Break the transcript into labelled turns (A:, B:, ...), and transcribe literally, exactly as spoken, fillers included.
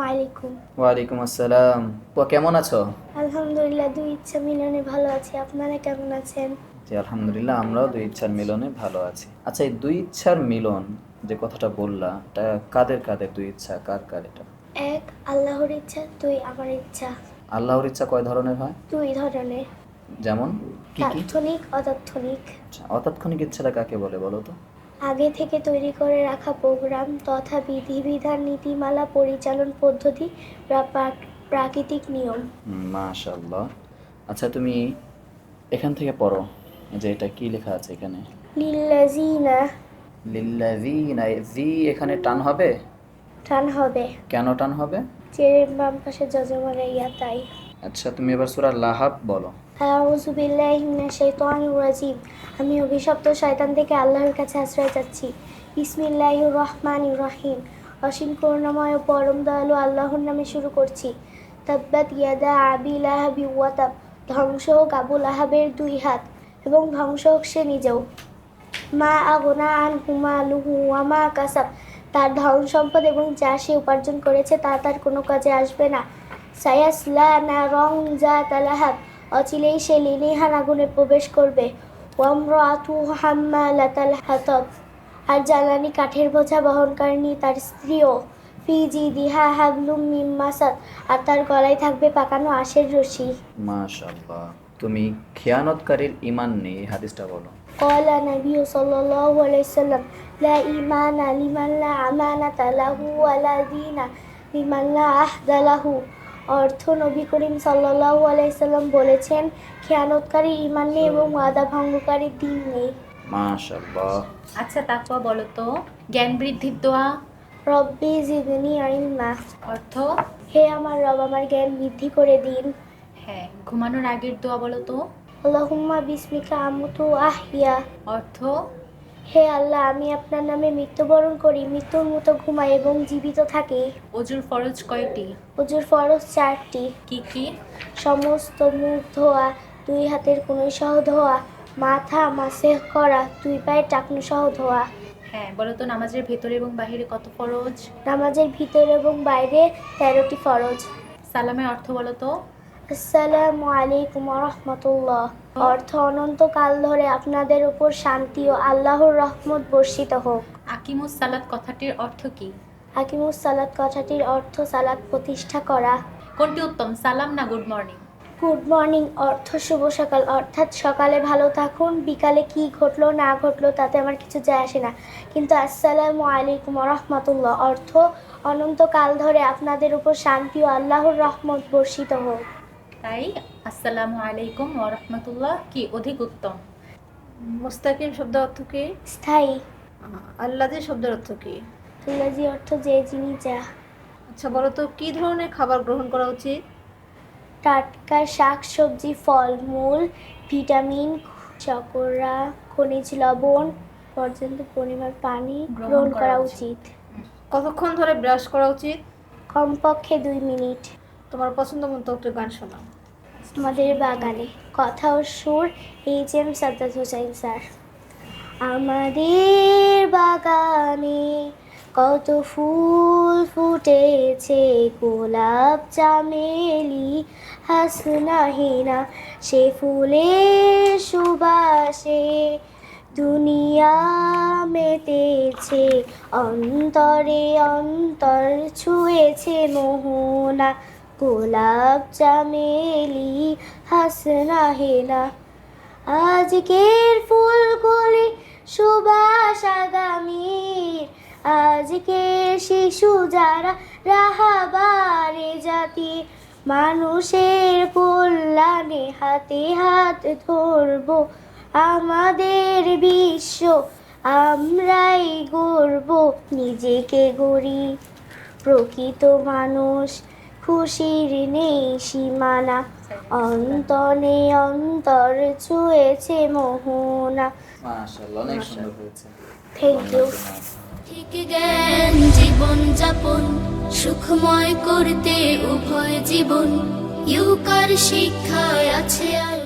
A: আলাইকুম।
B: ওয়ালাইকুম আসসালাম। তো কেমন আছো?
A: আলহামদুলিল্লাহ, দুই ইচ্ছা মিলনে ভালো আছি। আপনারা কেমন আছেন?
B: জি আলহামদুলিল্লাহ, আমরাও দুই ইচ্ছার মিলনে ভালো আছি। আচ্ছা, এই দুই ইচ্ছার মিলন যে কথাটা বললা, এটা কাদের কাদের দুই ইচ্ছা, কার কার এটা?
A: এক, আল্লাহর ইচ্ছা। দুই, আমার ইচ্ছা।
B: আল্লাহর ইচ্ছা কয় ধরনের হয়?
A: দুই ধরনের।
B: যেমন কি কি?
A: তাৎক্ষণিক, অতাৎক্ষণিক।
B: আচ্ছা, অতাৎক্ষণিক ইচ্ছাটা কাকে বলে বলো তো?
A: আগে থেকে তৈরি করে রাখা প্রোগ্রাম তথা বিধিবিধান, নীতিমালা, পরিচালন পদ্ধতি বা প্রাক- প্রাকৃতিক নিয়ম।
B: হুম, মাশাআল্লাহ। আচ্ছা, তুমি এখান থেকে পড়ো যে এটা কি লেখা আছে এখানে।
A: লিল্লাযিনা।
B: লিল্লাযিনা, জি এখানে টান হবে?
A: টান হবে।
B: কেন টান হবে?
A: চেরের বাম পাশে যজমানে ইয়া, তাই।
B: আচ্ছা, তুমি এবার সূরা লাহাব বলো।
A: আউযু বিল্লাহি মিনাশ শাইতানির রাজিম। আমি অভিশপ্ত শয়তান থেকে আল্লাহর কাছে আশ্রয় চাচ্ছি। বিসমিল্লাহির রহমানির রহিম। অসীম করুণাময় ও পরম দয়ালু আল্লাহর নামে শুরু করছি। তাব্বাত ইয়াদা আবি লাহাবি ওয়া তাব। ধ্বংস হোক আবু লাহাবের দুই হাত, এবং ধ্বংস হোক সে নিজেও। মা আগনা আনহু মালুহু ওয়া মা কাসাব। তার ধন সম্পদ এবং যা সে উপার্জন করেছে তা তার কোনো কাজে আসবে না। সায়াসলা নারং যাতা লাহাব। অচিলেই সে লেলিহান আগুনে প্রবেশ করবে। ওয়ামরাতু হাম্মালাতাল হাতাব। আর জ্বালানি কাঠের বোঝা বহনকারিণী তার স্ত্রীও। ফি জিদিহা হাবলুম মিন মাসাদ। আর তার গলায় থাকবে পাকানো আঁশের রশি।
B: মাশাআল্লাহ। তুমি খেয়ানতকারীর ঈমান নেই, এই হাদিসটা বলো।
A: ক্বালা নবিয়্যু সাল্লাল্লাহু আলাইহি ওয়াসাল্লাম, লা ঈমানা লিমান লা আমানাতা লাহু ওয়া লা দীনা লিমান লা আহদা লাহু। অর্থ, নবী করিম সাল্লাল্লাহু আলাইহি সাল্লাম বলেছেন, খেয়ানতকারী ঈমান নেই এবং ওয়াদা ভঙ্গকারীর দিন নেই।
B: মাশাআল্লাহ।
C: আচ্ছা, তাকওয়া বলো তো। জ্ঞান বৃদ্ধির দোয়া
A: রব্বি জিদনি ইলমা।
C: অর্থ?
A: হে আমার রব, আমার জ্ঞান বৃদ্ধি করে দিন।
C: হ্যাঁ। ঘুমানোর আগের দোয়া বলো তো।
A: আল্লাহুম্মা বিসমিকা আমুতু আহইয়া।
C: অর্থ?
A: হে আল্লাহ, আমি আপনার নামে মৃত্যুবরণ করি, মৃত্যুর মতো ঘুমাই এবং জীবিত থাকি।
C: অজুর ফরজ কয়টি?
A: ওযুর ফরজ চারটি।
C: কি কি?
A: সমস্ত মুখ ধোয়া, দুই হাতের কনুই সহ ধোয়া, মাথা মাসেহ করা, দুই পায়ের টাকনু সহ ধোয়া।
C: হ্যাঁ, বলো তো। নামাজের ভেতরে এবং বাহিরে কত ফরজ?
A: নামাজের ভিতরে এবং বাইরে তেরোটি ফরজ।
C: সালামের অর্থ বলো তো।
A: আসসালামু আলাইকুম ওয়া রাহমাতুল্লাহ। অর্থ, অনন্তকাল ধরে আপনাদের উপর শান্তি ও আল্লাহর রহমত বর্ষিত হোক।
C: আকিমুস সালাত কথাটির অর্থ কি?
A: হাকিমুস সালাত কথাটির অর্থ সালাত প্রতিষ্ঠা করা।
C: কোনটি উত্তম, সালাম না গুড মর্নিং?
A: গুড মর্নিং অর্থ শুভ সকাল, অর্থাৎ সকালে ভালো থাকুন, বিকালে কি ঘটলো না ঘটলো তাতে আমার কিছু যায় আসে না। কিন্তু আসসালামু আলাইকুম ওয়া রাহমাতুল্লাহ অর্থ, অনন্তকাল ধরে আপনাদের উপর শান্তি ও আল্লাহর রহমত বর্ষিত হোক।
C: তাই আসসালামু আলাইকুম ওয়া রাহমাতুল্লাহ কি অধিক উত্তম?
D: মুস্তাকিম শব্দ অর্থ কি?
A: স্থায়ী।
D: আল্লাযী শব্দের অর্থ কি?
A: আল্লাযী অর্থ যে, যিনি, যা।
D: আচ্ছা, বলো তো কি ধরনের খাবার গ্রহণ করা উচিত?
A: টাটকা শাক সবজি, ফল মূল, ভিটামিন, শর্করা, খনিজ লবণ, পর্যাপ্ত পরিমাণ পানি গ্রহণ করা উচিত।
D: কতক্ষণ ধরে ব্রাশ করা উচিত?
A: কমপক্ষে দুই মিনিট।
D: তোমার পছন্দ মতো একটা গান শোনাও।
A: আমাদের বাগানে। কথা ও সুর এইচ এম সাদ্দাত হোসেন স্যার। আমাদের বাগানে কত ফুল ফুটেছে, গোলাপ চামেলি হাসনা হিনা, সে ফুলের সুবাসে দুনিয়া মেতেছে, অন্তরে অন্তর ছুঁয়েছে মোহনা, গোলাপ চামেলি হাসনা হেনা। আজকের ফুলগুলি সুবাস আগামীর, আজকের শিশু যারা রাহাবারে জাতি, মানুষের কল্যাণে হাতে হাত ধরব, আমাদের বিশ্ব আমরাই গড়ব, নিজেকে গড়ি প্রকৃত মানুষ, খুশির নেই সীমানা, অন্তনে অন্তর ছুঁয়েছে মোহনা।
B: মাশাআল্লাহ, অনেক সুন্দর হয়েছে।
A: Thank you.
E: ঠিক জ্ঞান জীবন যাপন সুখময় করতে উভয় জীবন, ইউকার শিক্ষায় আছে আর